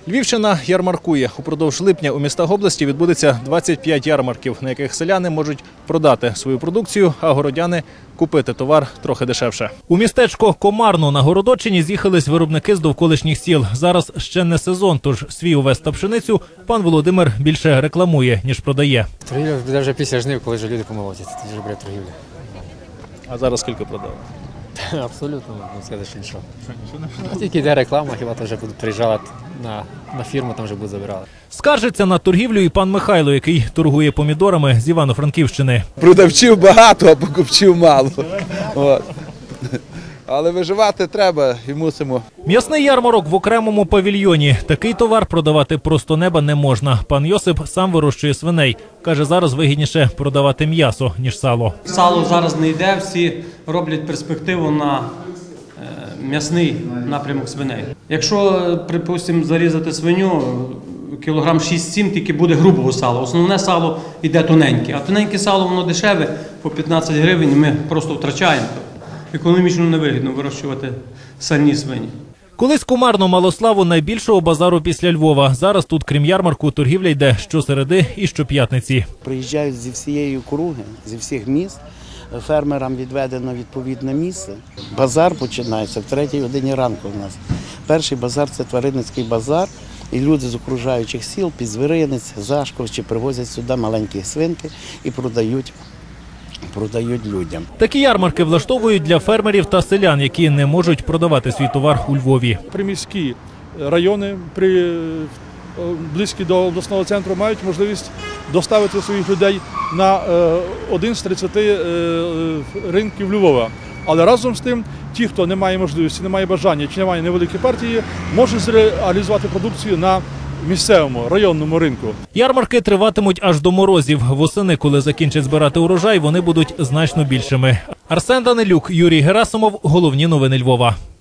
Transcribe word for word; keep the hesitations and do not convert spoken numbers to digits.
Львівщина ярмаркує. Упродовж липня у містах області відбудеться двадцять п'ять ярмарків, на яких селяни можуть продати свою продукцію, а городяни – купити товар трохи дешевше. У містечко Комарно на Городоччині з'їхались виробники з довколишніх сіл. Зараз ще не сезон, тож свій овес та пшеницю пан Володимир більше рекламує, ніж продає. Торгівля буде вже після жнив, коли вже люди помолотять. Тоді вже буде торгівля. А зараз скільки продали? Абсолютно, не скажеш нічого. Тільки йде реклама, хіба то вже будуть приїжджати на, на фірму, там вже будуть забирати. Скаржиться на торгівлю і пан Михайло, який торгує помідорами з Івано-Франківщини. Продавців багато, а покупців мало. От. Але виживати треба і мусимо. М'ясний ярмарок в окремому павільйоні. Такий товар продавати просто неба не можна. Пан Йосип сам вирощує свиней. Каже, зараз вигідніше продавати м'ясо, ніж сало. Сало зараз не йде, всі роблять перспективу на м'ясний напрямок свиней. Якщо, припустимо, зарізати свиню, кілограм шість-сім тільки буде грубого сала. Основне сало йде тоненьке. А тоненьке сало, воно дешеве, по п'ятнадцять гривень, ми просто втрачаємо. Економічно невигідно вирощувати сальні свині. Колись Комарно мало славу найбільшого базару після Львова. Зараз тут, крім ярмарку, торгівля йде щосереди і щоп'ятниці. Приїжджають зі всієї округи, зі всіх міст. Фермерам відведено відповідне місце. Базар починається в третій годині ранку у нас. Перший базар – це тваринницький базар. І люди з окружаючих сіл, Підзвіринець, Зашковичі привозять сюди маленькі свинки і продають. продають людям. Такі ярмарки влаштовують для фермерів та селян, які не можуть продавати свій товар у Львові. Приміські райони, при, близькі до обласного центру, мають можливість доставити своїх людей на один з тридцяти ринків Львова. Але разом з тим, ті, хто не має можливості, не має бажання чи не має невеликі партії, можуть зреалізувати продукцію на місцевому, районному ринку. Ярмарки триватимуть аж до морозів. Восени, коли закінчать збирати урожай, вони будуть значно більшими. Арсен Данилюк, Юрій Герасимов. Головні новини Львова.